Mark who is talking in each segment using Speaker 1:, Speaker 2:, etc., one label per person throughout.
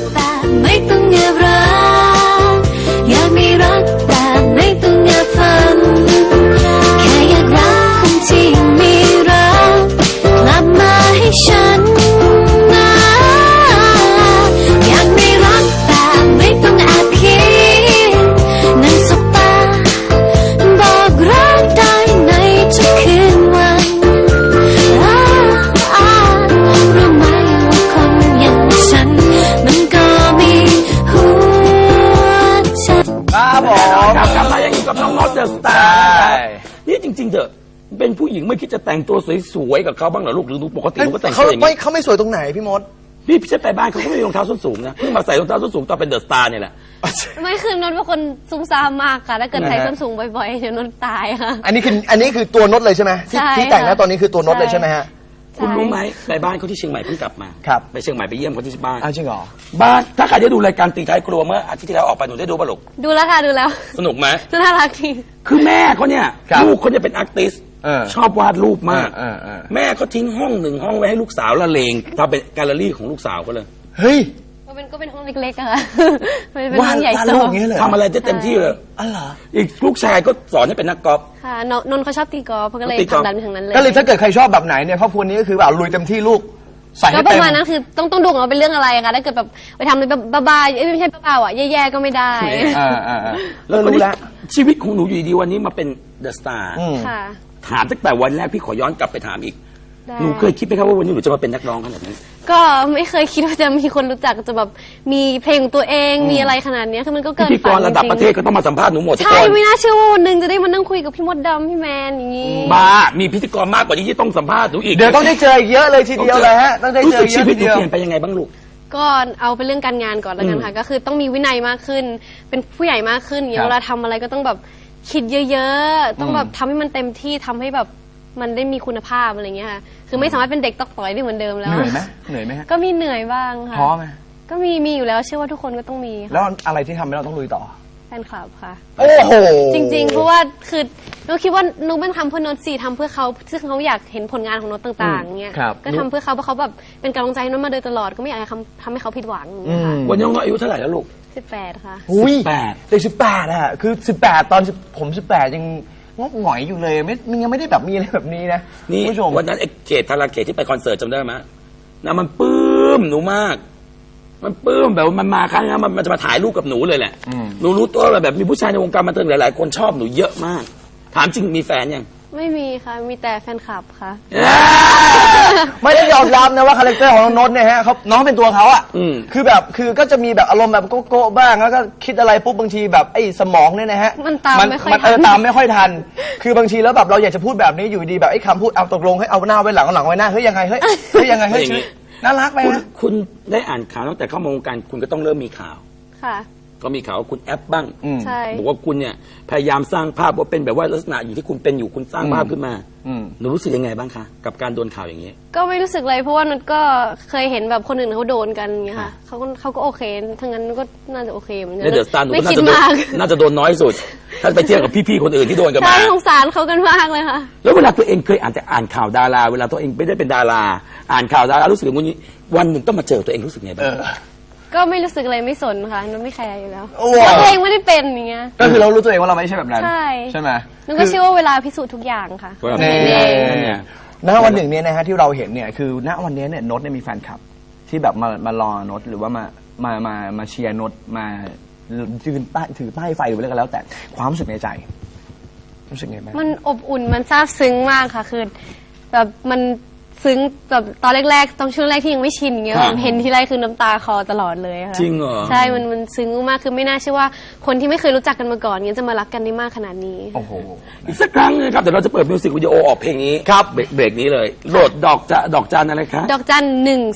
Speaker 1: แบบไม่ต้องแอบรักอยากมีรักแบบไม่ต้องแอบฝันแค่อยากรักคนที่มีรักกลับมาให้ฉันอยากมีรักแบบไม่ต้องแอบคิดนั่งสบตาบอกรักได้ในทุกคืนวันรู้ไหมว่าคนอย่างฉันมันก็มีหัวใจ
Speaker 2: ครับผม
Speaker 3: กลับมาอย่างนี้กับน้องน็อตเดอะสตาร์นี่จริงๆเถอะเป็นผู้หญิงไม่คิดจะแต่งตัวสวยๆกับเขาบ้างเหรอลูกหรือปกติหนูก็แต่งตัวอย่างนี้
Speaker 2: เขาไม่สวยตรงไหนพี่มด
Speaker 3: พี่จะไปบ้านเขาก็ไม่มีรองเท้าส้นสูงนะเพิ่งมาใส่รองเท้าส้นสูงตอนเป็นเดอะสตาร์เนี่ยแหละ
Speaker 4: ไม่คือนนท์เป็นคนซุ่มซ่ามมากค่ะถ้าเกิดใส่ส้นสูงบ่อยๆเดี๋ยวนนท์ตายค่ะ
Speaker 2: อันนี้คือตัวนดเลยใช่ไหมที่แต่งนะตอนนี้คือตัวนดเลยใช่ไหมฮะ
Speaker 3: คุณรู้ไหมไปบ้านเขาที่เชียงใหม่เพิ่งกลับมา
Speaker 2: ครับ
Speaker 3: ไปเชียงใหม่ไปเยี่ยมเขาที่บ้าน
Speaker 2: จริงเหรอ
Speaker 3: บ้านถ้าใครได้ดูรายการตีท้ายครัวเมื่ออาทิตย์ที่แล้วออกไปหนูได้ดูป่ะลูก
Speaker 4: ดูแล้วค่ะดูแล้ว
Speaker 3: สนุกไหม
Speaker 4: น่ารักดี
Speaker 3: คือแม่เขาเนี่ยลูกเขาเนี่ยเป็นอาร์ติสต์ชอบวาดรูปมากแม่เขาทิ้งห้องหนึ่งห้องไว้ให้ลูกสาวละเลงทำเป็นแกลเลอรี่ของลูกสาวเขาเลย
Speaker 2: เฮ้ย
Speaker 4: ก็เป็นห้องเล็กๆอะค่ะเป็นห้องใหญ่โต
Speaker 3: ทำอะไรได้เต็มที่เลย
Speaker 2: อ๋อเหรอ
Speaker 3: อีกลูกชายก็สอนให้เป็นนักกอล์ฟ
Speaker 4: ค่ะนนท์เขาชอบตีกอล์ฟก็เลยทำแบบนั้นเลย
Speaker 2: ก็เลยถ้าเกิดใครชอบแบบไหนเนี่ยครอบครัวนี้ก็คือแบบลุยเต็มที่ลูกใส่ให้เต็ม
Speaker 4: ก็ประมาณนั้นคือต้องดูว่าเป็นเรื่องอะไรค่ะถ้าเกิดแบบไปทำเลยบ้าๆไม่ใช่บ้าๆอ่ะแย่ๆก็ไม่ได้
Speaker 3: แล้วรู้แล้วชีวิตของหนูอยู่ดีวันนี้มาเป็นเดอะสตาร์
Speaker 4: ค่ะ
Speaker 3: ถามตั้งแต่วันแรกพี่ขอย้อนกลับไปถามอีกหนูเคยคิดไหมครับว่าวันนี้หนูจะมาเป็นนักร้องขนาดนี้
Speaker 4: ก็ไม่เคยคิดว่าจะมีคนรู้จักจะแบบมีเพลงของตัวเองมีอะไรขนาดนี้คือมันก็เกินฝันจริงๆ
Speaker 3: พิธีกรระดับประเทศก็ต้องมาสัมภาษณ์หนูหมด
Speaker 4: ใช่ไม่น่าเชื่อว่าวันหนึ่งจะได้มานั่งคุยกับพี่มดดำพี่แมนอย่างนี้
Speaker 3: บ้ามีพิธีกรมากกว่านี้ที่ต้องสัมภาษณ์หนูอีก
Speaker 2: เดี๋ยวต้องได้เจอเยอะเลยทีเดียวเลยฮะต้องได้เจอเยอะ
Speaker 3: ทีเดียวรู้สึกชีวิตหนูเปลี่ยนไปยังไงบ้างลูก
Speaker 4: ก็เอาเป็นเรื่องการงานก่อนแล้วกันค่ะก็คือต้องมีวินัยมากขึ้นเป็นผู้ใหญ่มากขึ้นอย่างเวลาทำอะไรก็ต้องแบบคิดเยอะๆต้องแบบทำให้มันเต็มที่ทำให้แบบมันได้มีคุณภาพอะไรเงี้ยค่ะคือไม่สามารถเป็นเด็กตอกต่อยได้เหมือนเดิมแล้ว
Speaker 2: เหนื่อยไหมฮะ
Speaker 4: ก็มีเหนื่อยบ้างค่ะ
Speaker 2: ท้อไหม
Speaker 4: ก็มีอยู่แล้วเชื่อว่าทุกคนก็ต้องมี
Speaker 2: แล้วอะไรที่ทำให้เราต้องลุยต่อ
Speaker 4: แฟนคลับค่ะ
Speaker 2: โอ้โห
Speaker 4: จริงๆเพราะว่าคือหนูคิดว่าหนูไม่ทำเพื่อโน้ตทำเพื่อเขาซึ่งเขาอยากเห็นผลงานของโน้ตต่างๆเงี้ยก็ทำเพื่อเขาเพราะเขาแบบเป็นกำลังใจโน้ตมาโดยตลอดก็ไม่อยากให้ทำให้เขาผิดหวัง
Speaker 3: วันนี้น้องอายุเท่าไหร่แล้วลูก
Speaker 4: 18ค่ะ
Speaker 2: อุ้ยเด็ก18อะคือ18ตอนผม18ยังงอกหงอยอยู่เลยมันยังไม่ได้แบบมีอะไรแบบนี้นะ
Speaker 3: นี่ผู้ชมวันนั้นไอ้เกตธาราเกตที่ไปคอนเสิร์ตจำได้ไหมนะมันปลื้มหนูมากมันปลื้มแบบมันมาครั้งนี้มันจะมาถ่ายรูปกับหนูเลยแหละหนูรู้ตัวแบบมีผู้ชายในวงการบันเทิงหลายๆคนชอบหนูเยอะมากถามจริงมีแฟนยัง
Speaker 4: ไม่มีค่ะมีแต่แฟนคลับค่ะ
Speaker 2: ไม่ได้ยอมรับนะว่าคาแรคเตอร์ของน้องเนี่ยฮะเขาน้องเป็นตัวเขาอ่ะคือก็จะมีแบบอารมณ์แบบโก้บ้างแล้วก็คิดอะไรปุ๊บบางทีแบบไอ้สมองเนี่ยนะฮะ
Speaker 4: มันตามไม่ค่อย
Speaker 2: ตามไม่ค่อยทันคือบางทีแล้วแบบเราอยากจะพูดแบบนี้อยู่ดีแบบไอ้คำพูดเอาตกลงให้เอาหน้าไว้หลังไว้หน้าเฮ้ยยังไงเฮ้ยยังไงเฮ้ยน่ารักไปนะ
Speaker 3: คุณได้อ่านข่าวตั้งแต่เข้ามาวงการคุณก็ต้องเริ่มมีข่าว
Speaker 4: ค่ะ
Speaker 3: ก็มีข่าวว่าคุณแอปบ้าง
Speaker 4: ใช่
Speaker 3: บอกว่าคุณเนี่ยพยายามสร้างภาพว่าเป็นแบบว่าลักษณะอยู่ที่คุณเป็นอยู่คุณสร้างภาพขึ้นมาหนูรู้สึกยังไงบ้างคะกับการโดนข่าวอย่างนี้
Speaker 4: ก็ไม่รู้สึกเลยเพราะว่านุชก็เคยเห็นแบบคนอื่นเขาโดนกันอย่างเงี้ยค่ะเขาก็โอเคทั้งนั้นก็น่าจะโอเคเหมือนกัน
Speaker 3: ในเดอะสตาร์หนูก็น่าจะโดนน้อยสุดถ้าไปเทียบกับพี่ๆคนอื่นที่โดนกันมา
Speaker 4: ใช่สงสารเขากันมากเลยค่ะ
Speaker 3: แล้วเวลาตัวเองเคยอ่านข่าวดาราเวลาตัวเองไม่ได้เป็นดาราอ่านข่าวดารารู้สึกอย่างนี้วันหนึ่งต้องมาเจอตัวเองรู้สึกไงบ้าง
Speaker 4: ก็ไม่รู้สึกอะไรไม่สนค่ะนุชไม่แคร์อยู่แล้วตัวเองไม่ได้เป็นอย่างเงี้ย
Speaker 2: ก็คือเรารู้ตัวเองว่าเราไม่ใช่แบบนั้นใช่ไหม
Speaker 4: นุชก็เชื่อว่าเวลาพิสูจน์ทุกอย่างค่ะ
Speaker 2: ณวันหนึ่งเนี่ยนะฮะที่เราเห็นเนี่ยคือณวันนี้เนี่ยโน้ตเนี่ยมีแฟนคลับที่แบบมารอโน้ตหรือว่ามาเชียร์โน้ตมายืนถือป้ายไฟหรืออะไรก็แล้วแต่ความรู้สึกในใจรู้สึกไงบ้าง
Speaker 4: มันอบอุ่นมันซาบซึ้งมากค่ะคือแบบมันซึ้งแบบตอนแรกๆตอนช่วงแรกที่ยังไม่ชินเงี้ยเห็นที่ไรคือน้ำตาคอตลอดเลยค่ะ
Speaker 3: จริงเหรอ
Speaker 4: ใช่มันซึ้งมากคือไม่น่าเชื่อว่าคนที่ไม่เคยรู้จักกันมาก่อนเงี้ยจะมารักกันได้มากขนาดนี้
Speaker 2: โอ้โห
Speaker 3: อีกสักครั้งนึงครับเดี๋ยวเราจะเปิดมิวสิกวิดีโอออกเพลงนี้ครับเบรกนี้เลยโหลดดอกจันอะไรคะ
Speaker 4: ดอกจัน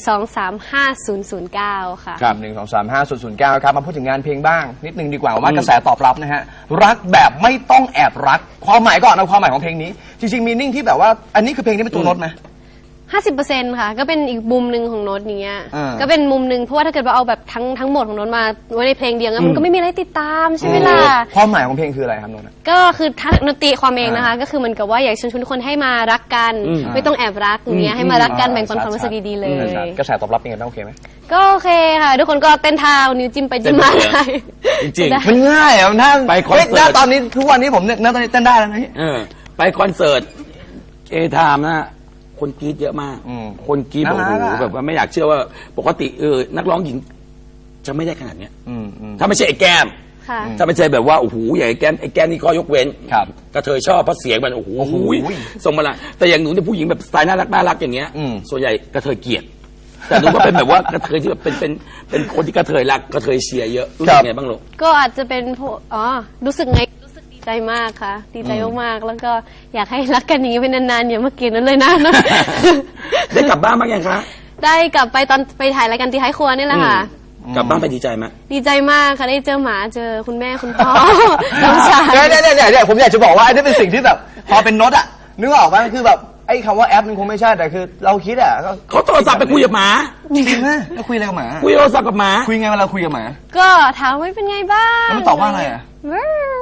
Speaker 4: 1235009ค่ะ
Speaker 2: ครับ1235009ครับมาพูดถึงงานเพลงบ้างนิดนึงดีกว่าว่ากระแสตอบรับนะฮะรักแบบไม่ต้องแอบรักความหมายก่อนเอาความหมายของเพลงนี้จริงๆมีนิ่งที่แบบว่าอันนี้คือเพลงที่เป็นตัวโน้ตไหม
Speaker 4: 50%ค่ะก็เป็นอีกมุมหนึ่งของโน้ตเนี้ย
Speaker 2: อ่า
Speaker 4: ก็เป็นมุมหนึ่งเพราะว่าถ้าเกิดว่าเอาแบบทั้งหมดของโน้ตมาไว้ในเพลงเดียวงั้นมันก็ไม่มีอะไรติดตามใช่ไหมล่ะ
Speaker 2: ความหมายของเพลงคืออะไรครับโน้ต
Speaker 4: ก็คือถ้าดนตรีความเองนะคะ ก็คือเหมือนกับว่าอยากเชิญชวนทุกคนให้มารักกัน ไม่ต้องแอบรักอย่างเงี้ยให้มารักกันแบ่งปันความรู้สึกดีๆเลย
Speaker 2: กระแสตอบรับเป็นไงบ้างโอเคไหม
Speaker 4: ก็โอเคค่ะ ทุกคนก็เต้นเท้านิ้วจิ้มไปจิ้มมาได้
Speaker 3: จริง
Speaker 4: ได้
Speaker 2: มันง่ายอ่ะถ้า
Speaker 3: ไปคอนเสิร์ต
Speaker 2: ฮ้ยณตอนนี้ทุกวันนี้ผมเนี่ยณตอนนี้เต้นได้แล้วนะพี่
Speaker 3: ไปคอนเสิร์ตเอทามนะคนกรีดเยอะมาก คนกรีดบอก
Speaker 2: น่ารัก
Speaker 3: โอ้โห
Speaker 2: อะ
Speaker 3: แบบว่าไม่อยากเชื่อว่าปกตินักร้องหญิงจะไม่ได้ขนาดเนี้ย
Speaker 2: อืม
Speaker 3: ถ้าไม่ใช่ไอ้แก้ม
Speaker 4: ค่ะ
Speaker 3: ถ้าไม่ใช่แบบว่าโอ้โหอย่างไอ้แก้มนี่ข้อยกเว้น
Speaker 2: ครับ
Speaker 3: กระเทยชอบเพราะเสียงมันโอ้โห
Speaker 2: โอ้โห
Speaker 3: ส่งมาละแต่อย่างหนูเนี่ยผู้หญิงแบบสไตล์น่ารักอย่างเงี้ย
Speaker 2: อืม
Speaker 3: ส่วนใหญ่กระเทยเกลียดแต่หนูก็เป็นแบบว่ากระเทยที่แบบเป็นคนที่กระเทยรักกระเทยเชียร์เยอะรู้สึกไงบ้างลูก
Speaker 4: ก็อาจจะเป็นพวกรู้สึกไงรู้สึกดีใจมากค่ะ ดีใจมากๆแล้วก็อยากให้รักกันอย่างนี้ไปนานๆอย่ามาเกลียดนั้นเลยนะ
Speaker 3: ได้กลับบ้านบ้างยังคะ
Speaker 4: ได้กลับไปตอนไปถ่ายรายการตีท้ายครัวนี่แหละค่ะ
Speaker 3: กลับบ้านไปดีใจไหม
Speaker 4: ดีใจมากค่ะได้เจอหมาเจอคุณแม่คุณพ่อ น้องชาย
Speaker 2: เนี่ยผมอยากจะบอกว่าไอ้นี่เป็นสิ่งที่แบบ พอเป็นโน้ตอ่ะนึกออกป่ะคือแบบไอ้คำว่าแอปมันคงไม่ใช่แต่คือเราคิดอ่ะก็
Speaker 3: เขาโทรศัพท์ไปคุยกับหมา
Speaker 2: จริงนะแล้วคุยอะไรกับหมา
Speaker 3: คุยโทรศัพท์กับหมา
Speaker 2: คุยไงเวลาคุยกับหมา
Speaker 4: ก็ถามว่าเป็นไงบ้าง
Speaker 2: แล้วมันตอบว่าอะไรอ่ะ
Speaker 4: ว้าว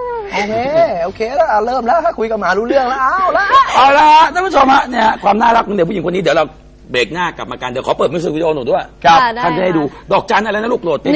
Speaker 2: โอเคแล้วเริ่มแล้วถ้าคุยกับหมารู้เรื่องแล้วเอาละ
Speaker 3: เอาละฮะท่านผู้ชมฮะเนี่ยความน่ารักของเด็กผู้หญิงคนนี้เดี๋ยวเราเบรกหน้ากลับมากันเดี๋ยวขอเปิดมิวสิกวิดีโอหนูด้วย
Speaker 2: ครับ
Speaker 4: ได้
Speaker 3: ท่านจะให้ดูดอกจันอะไรนะลูกโหลด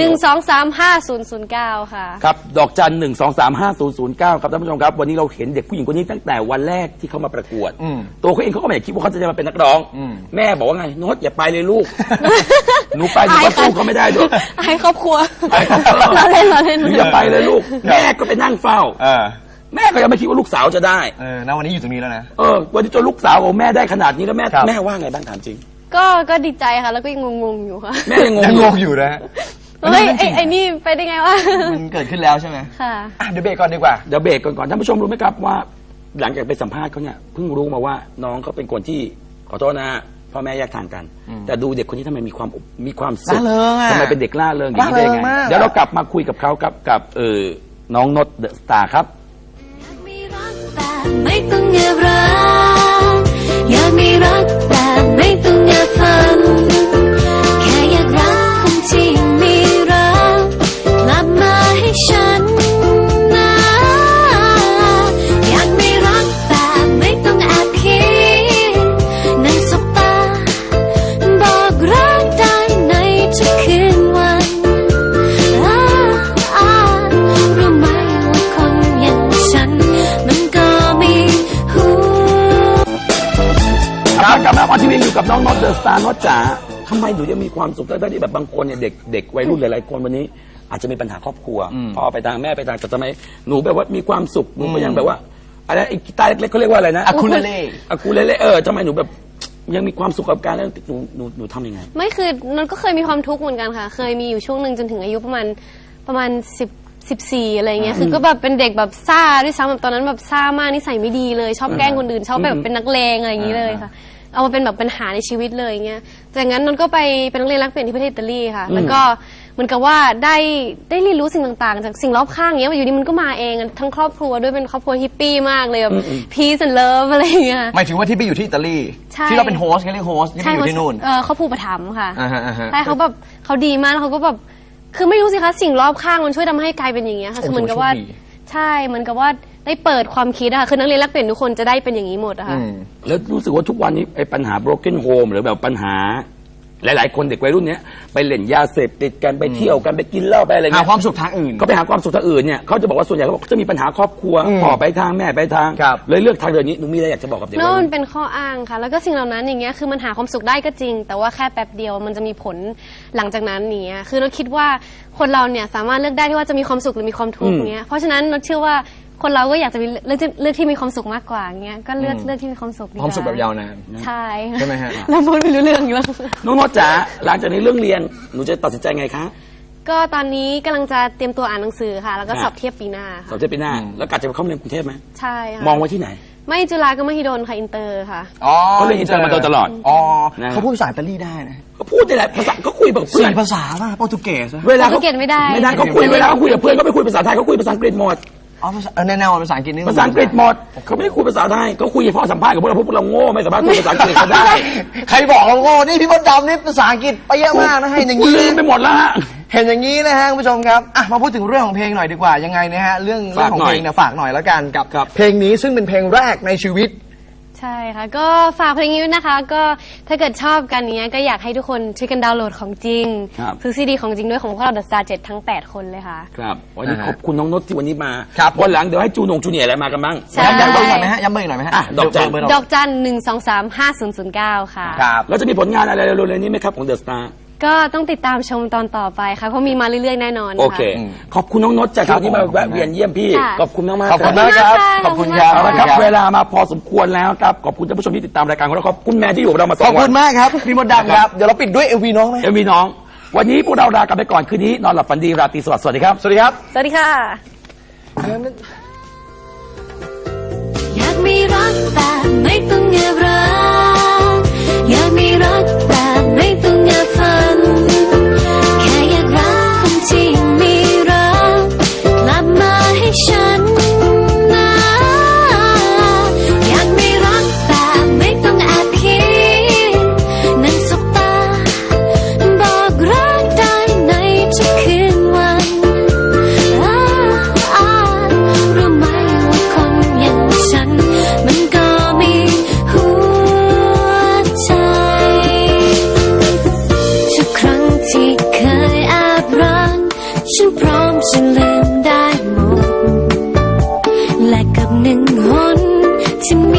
Speaker 4: 1235009ค่ะ
Speaker 3: ครับดอกจัน1235009ครับท่านผู้ชมครับวันนี้เราเห็นเด็กผู้หญิงคนนี้ตั้งแต่วันแรกที่เขามาประกวด ตัวเขาเองเขาก็ไม่ได้คิดว่าเขาจะมาเป็นนักร้อง แม่บอกว่าไงโน้ตอย่าไปเลยลูก หนูไปหนูก็สู้เขาไม่ได้ด้วย
Speaker 4: ให้ครอบครัว
Speaker 3: ให้ครอบครัว
Speaker 4: เราเล่น
Speaker 3: หนูอย่าไปเลยลูกแม่ก็ไปนั่งเฝ้า แม่ก็ยังไม่คิดว่าลูกสาวจะได้
Speaker 2: ณวันนี้อยู่ตรงนี้แล้วนะ
Speaker 3: วันนี้จนลูกสาวของแม่ได้ขนาดนี้แล้วแม่
Speaker 2: ครับ
Speaker 3: แม่ว่าไงบ้างถามจริง
Speaker 4: ก็ดีใจค่ะ แล้วก็ยังงงๆอยู่ค่ะ
Speaker 3: แม่ยังง
Speaker 2: ยัง
Speaker 3: ง
Speaker 2: งงอยู่นะ
Speaker 4: เฮ้ยไอ้นี่ไปได้ไงวะ
Speaker 2: มันเกิดขึ้นแล้วใช่ไหม
Speaker 4: ค่ะ
Speaker 2: อ่ะเดี๋ยวเบรกก่อนดีกว่า
Speaker 3: เดี๋ยวเบรกก่อนท่านผู้ชมรู้ไหมครับว่า หลังจากไปสัมภาษณ์เขาเนี่ยเพิ่งรู้มาว่าน้องเขาเป็นคนที่ขอโทษนะพ่อแม่แยกทางกัน แต่ดูเด็กคนนี้ทำไมมีความสุข
Speaker 2: ร่าเริงอะ
Speaker 3: ทำไมเป็นเด็กล่าเริงอย่างนี้ได้
Speaker 2: ร่าเริ
Speaker 3: ไง
Speaker 2: งมาก
Speaker 3: เดี๋ยวเรากลับมาคุยกับเขากับน้องนดเดอะสตาร์ครับ
Speaker 1: มีรักแต่ไม่ต้องแอบรักอยากมีรักแต่ไม่ต้องแอบฝันแค่อยากรักคนที่มีรักกลับมาให้ฉันนะอยากมีรักแต่ไม่ต้องแอบคิดนั่งสบตาบอกรักได้ในทุกคืนวันรู้ไหมว่าคนอย่างฉันมันก็มีหู
Speaker 3: กลับมาออนทีวีอยู่กับน้องนดเดอะสตาร์นดจ๋าทำไมหนูยังมีความสุขได้ที่แบบบางคนเนี่ยเด็กวัยรุ่นหลายๆคนวันนี้ อาจจะมีปัญหาครอบครัวพ่อไปทางแม่ไปทางแต่ทำไมหนูแบบว่ามีความสุขหนูก็ยังแบบว่าอะไรไอ้กีตาร์เล็กๆเขาเรียกว่าอะไรนะ
Speaker 2: อะคูเลเล่
Speaker 3: อะคูเลเล่ทำไมหนูแบบยังมีความสุขกับการเล่นหนูทำยังไง
Speaker 4: ไม่คือนนก็เคยมีความทุกข์เหมือนกันค่ะ เคยมีอยู่ช่วงหนึ่งจนถึงอายุประมาณ14อะไรเงี้ย คือก็แบบเป็นเด็กแบบซ่าด้วยซ้ำแบบตอนนั้นแบบซ่ามากนิสัยไม่ดีเลย ชอบแกล้งคนอื่น ชอบแบบเป็นนักเลงอะไรอย่างนี้เลยค่ะ เอามาเป็นแบบปัญหาในชีวิตเลยเงี้ย จากนั้นนนก็ไปเป็นนักเรียนรักเปลี่ยนที่ประเทศอิตาลีค่ะ แล้วก็เหมือนกับว่าได้เรียนรู้สิ่งต่างๆ จากสิ่งรอบข้างเงี้ยอยู่ดีมันก็มาเองทั้งครอบครัวด้วยเป็นครอบครัวฮิปปี้มากเลยแบบ peace and love อะไรอย่างเงี้ย
Speaker 2: หมายถึงว่าที่ไปอยู่ที่อิตาลี
Speaker 4: ใช่
Speaker 2: ที่เราเป็นโฮสต์เขาเรียกโฮสต์ที่ไปอยู่ที่นู่น
Speaker 4: เขาผูกประถมภ์ค่ะ
Speaker 2: อ่าฮะ
Speaker 4: ใช่เขาแบบเขาดีมากแล้วเขาก็แบบคือไม่รู้สิคะสิ่งรอบข้างมันช่วยทำให้กลายเป็นอย่างเงี้ยค่ะ
Speaker 2: โอ้
Speaker 4: คือเหมือนกับว่า
Speaker 2: โชคดี
Speaker 4: ใช่เหมือนกับว่าได้เปิดความคิดอะค่ะคือนักเรียนแลกเปลี่ยนทุกคนจะได้เป็นอย่างนี้หมดอะค่ะ
Speaker 3: แล้วรู้สึกว่าทุกวันนี้ไอ้ปัญหา broken home หรือแบบปัญหา หลายๆ คนเด็กวัยรุ่นเนี้ยไปเล่นยาเสพติดกันไปเที่ยวกันไปกินเหล้าไปอะไร
Speaker 2: หา
Speaker 3: เงี้ย
Speaker 2: ความสุขทางอื่น
Speaker 3: ก็ไปหาความสุขทางอื่นเนี่ยเขาจะบอกว่าส่วนใหญ่เขาบอกจะมีปัญหาครอบครัวพ่อไปทางแม่ไปทาง
Speaker 2: ครับ
Speaker 3: เลยเลือกทางเดินนี้หนูมีอะไรอยากจะบอกกับเด็กวัย
Speaker 4: โน่
Speaker 3: รุ่
Speaker 4: น
Speaker 3: น
Speaker 4: เป็นข้ออ้างค่ะ แล้วก็สิ่งเหล่านั้นอย่างเงี้ยคือมันหาความสุขได้ก็จริง แต่ว่าแค่แป๊บเดียวมันจะมีผลหลังจากนั้นเนี้ยคือเราคิดว่าคนเราเนี่ยสามารถเลือกได้ที่ว่าจะมีความสุขหรือมีความทุกข์เงี้ยเพราะฉะนั้นเราเชื่อว่าคนเราก็อยากจะมีเลือกที่มีความสุขมากกว่าเงี้ยก็เลือกที่มีความสุขดีก
Speaker 2: ความสุขแบบยาวนาน
Speaker 4: ใช่
Speaker 2: ใช่ไหมฮะ
Speaker 4: แล้วพูดไม่รู้เรื่องอีกแล้ว
Speaker 3: น้องนดจ๋าหลังจากนี้เรื่องเรียนหนูจะตัดสินใจไงคะ
Speaker 4: ก็ตอนนี้กำลังจะเตรียมตัวอ่านหนังสือค่ะ แล้วก็
Speaker 3: ค่ะ
Speaker 4: สอบเทียบปีหน้า
Speaker 3: สอ
Speaker 4: ค่ะ
Speaker 3: บเทียบปีหน้าแล้วกะจะไปเข้าเรียนกรุงเทพไหม
Speaker 4: ใช่ค่ะ
Speaker 3: มองไว้ที่ไหน
Speaker 4: ไม่จุฬาก็มหิดลค่ะอินเตอร์ค่ะ
Speaker 2: อ๋อ
Speaker 3: เขาเรียนอินเตอร์มาโดยตลอด
Speaker 2: อ๋อ
Speaker 3: นะ
Speaker 2: เขาพูดภาษาอิตาลีได้นะ
Speaker 3: ก็พูดได้แหละภาษาก็คุยแบบเพื่อน
Speaker 2: 4 ภาษาป่ะโปรตุเกสอะ
Speaker 3: เวลา
Speaker 4: โปรตุเกสไม่ได้
Speaker 3: ไม่ได้เขาคุยเวลาเขาคุยกับเพื่อนเขาไปคุยภาษาไทยเขาคุยภาษาอังกฤษหมด
Speaker 2: อ๋อแน่ๆภาษาอังกฤษนี่
Speaker 3: ภาษาอังกฤษหมดเขาไม่ได้คุยภาษาไทยเขาคุยเฉพาะสัมภาษณ์กับพวกเราพวกเราโง่ไม่สามารถคุยภาษาอังกฤษเขาได้
Speaker 2: ใครบอกเราโง่นี่พี่มดดำนี่ภาษาอังกฤษไปเยอะมากนะให้อย่าง
Speaker 3: กู
Speaker 2: นี้
Speaker 3: ลืมไปหมดแล้วฮะ
Speaker 2: เห็นอย่างนี้นะฮะคุณผู้ชมครับอ่ะมาพูดถึงเรื่องของเพลงหน่อยดีกว่ายังไงนะฮะเรื่องของเพลงเนี่ยฝากหน่อยแล้วกันกับ
Speaker 3: ครับ
Speaker 2: เพลงนี้ซึ่งเป็นเพลงแรกในชีวิต
Speaker 4: ใช่ค่ะ ก็ฝากเพลงนี้ด้วยนะคะ ก็ถ้าเกิดชอบกันเนี้ยก็อยากให้ทุกคนช่วยกันดาวน์โหลดของจริง
Speaker 3: ครับ
Speaker 4: ซื้อซีดีของจริงด้วยของพวกเรา The Star 7 ทั้ง 8 คนเลยค่ะ
Speaker 3: ครับวันนี้
Speaker 2: อ่าฮะ
Speaker 3: ขอบคุณน้องนดที่วันนี้มา
Speaker 2: ครับ
Speaker 3: วันหลังเดี๋ยวให้จูนงจูเนียร์อะไรมากันบ้าง
Speaker 4: ใช่
Speaker 2: ย้ำเบอร์หน่อยไหมฮะย้ำเบอร์หน่อยไหมฮะ
Speaker 3: อ่ะดอกจัน
Speaker 2: เบร์
Speaker 4: ดอกจัน 1235009 ค่ะ
Speaker 2: ครับ
Speaker 3: แล้วจะมีผลงานอะไรเร็วๆนี้ไหมครับของเดอะสตาร์
Speaker 4: ก็ต้องติดตามชมตอนต่อไปค่ะ เพราะมีมาเรื่อยๆแน่นอนค่ะ
Speaker 3: โอเค ขอบคุณน้องนดจาก
Speaker 2: ครับ
Speaker 3: ที่มา
Speaker 2: ผม
Speaker 3: แวะเวียนเยี่ยมพี่
Speaker 4: ค่ะ
Speaker 3: ขอบคุณมากๆ
Speaker 2: ขอบคุณ
Speaker 3: รั
Speaker 2: มากครับ
Speaker 4: ข
Speaker 2: ข
Speaker 4: อ
Speaker 2: อ
Speaker 4: บบ คุ
Speaker 2: คุณ ณ
Speaker 4: มาก
Speaker 2: ครับ
Speaker 3: เอาละครับเวลามาพอสมควรแล้วครับขอบคุณท่านผู้ชมที่ติดตามรายการของเราขอบคุณแม่ที่อยู่กับเรามาส
Speaker 2: ข
Speaker 3: อ
Speaker 2: อบ
Speaker 3: งวั
Speaker 2: คุ
Speaker 3: น
Speaker 2: ณมากครับพี่มดดำครับเดี๋ยวเราปิดด้วยเอวีน้องไหม
Speaker 3: เอ็มวีน้อง วันนี้พวกเราลากันไปก่อนคืนนี้นอนหลับฝันดีราตรีสวัสดิ์สวัสดีครับ
Speaker 2: สวัสดีครับ
Speaker 4: สวัสดีค่ะ
Speaker 1: อยากมีรักแต่ไม่ต้องแอบรักอยากมีรักแต่ไม่ต้องแอบฝันแค่อยากรักคนที่มีรักกลับมาให้ฉันนะอยากมีรักแต่ไม่ต้องแอบคิดนั่งสบตาบอกรักได้ในทุกคืนวันรู้ไหมว่าคนอย่างฉันมันก็มีหัวใจทุกครั้งที่เคยแอบรักฉันพร้อมจะลืมได้หมดและกับหนึ่งหนที่มี